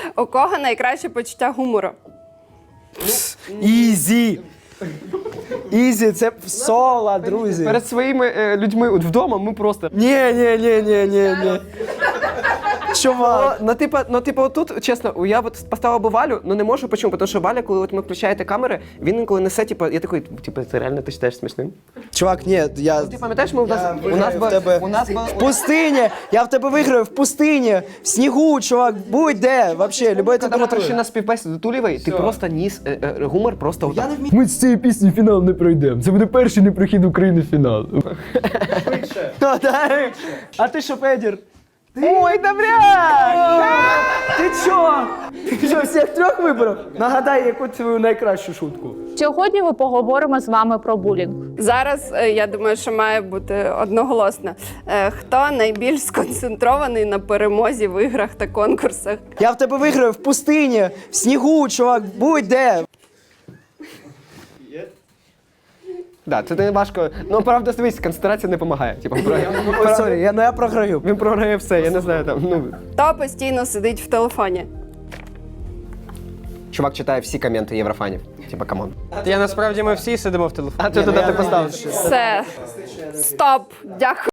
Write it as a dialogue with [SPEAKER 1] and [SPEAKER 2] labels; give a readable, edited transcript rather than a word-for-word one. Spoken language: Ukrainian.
[SPEAKER 1] У кого найкраще почуття гумору?
[SPEAKER 2] Ізі! Ізі, це соло, друзі.
[SPEAKER 3] Перед своїми людьми вдома ми просто...
[SPEAKER 2] Ні. Чувак.
[SPEAKER 3] Типу, отут, чесно, я от поставив би Валю, але не можу, чому? Тому що Валя, коли от ми включаєте камери, він інколи несе, типу, я такий, типу, це реально ти читаєш смішним?
[SPEAKER 2] Чувак, ні, я...
[SPEAKER 3] Ти пам'ятаєш, ми у нас
[SPEAKER 2] В пустині! Я в тебе виграю в пустині, в снігу, чувак, будь-де, вообще, любої
[SPEAKER 3] Коли ми прийшли
[SPEAKER 2] температури.
[SPEAKER 3] на співбесіду Тулєвої, ти просто ніс гумор просто отак.
[SPEAKER 4] Ми з цієї пісні фінал не пройдемо. Це буде перший непрохід України в фінал.
[SPEAKER 2] А ти що, Федір?
[SPEAKER 3] Ой, добряк!
[SPEAKER 2] Ти чо? Ти що, всіх трьох вибрав? Нагадай, яку твою найкращу шутку.
[SPEAKER 5] Сьогодні ми поговоримо з вами про булінг.
[SPEAKER 1] Зараз, я думаю, що має бути одноголосно. Хто найбільш сконцентрований на перемозі в іграх та конкурсах?
[SPEAKER 2] Я в тебе виграю в пустині, в снігу, чувак, будь-де.
[SPEAKER 3] Да, це не важко. Ну, правда, дивись, концентрація не допомагає. Типу,
[SPEAKER 2] Ой, сорі, я програю.
[SPEAKER 3] він програє все, я не знаю там. Ну,
[SPEAKER 1] Хто постійно сидить в телефоні?
[SPEAKER 3] чувак читає всі коменти єврофанів. Типа, камон.
[SPEAKER 6] Насправді ми всі сидимо в телефоні.
[SPEAKER 3] А ти туди ти поставив.
[SPEAKER 1] Все. Стоп. Дякую.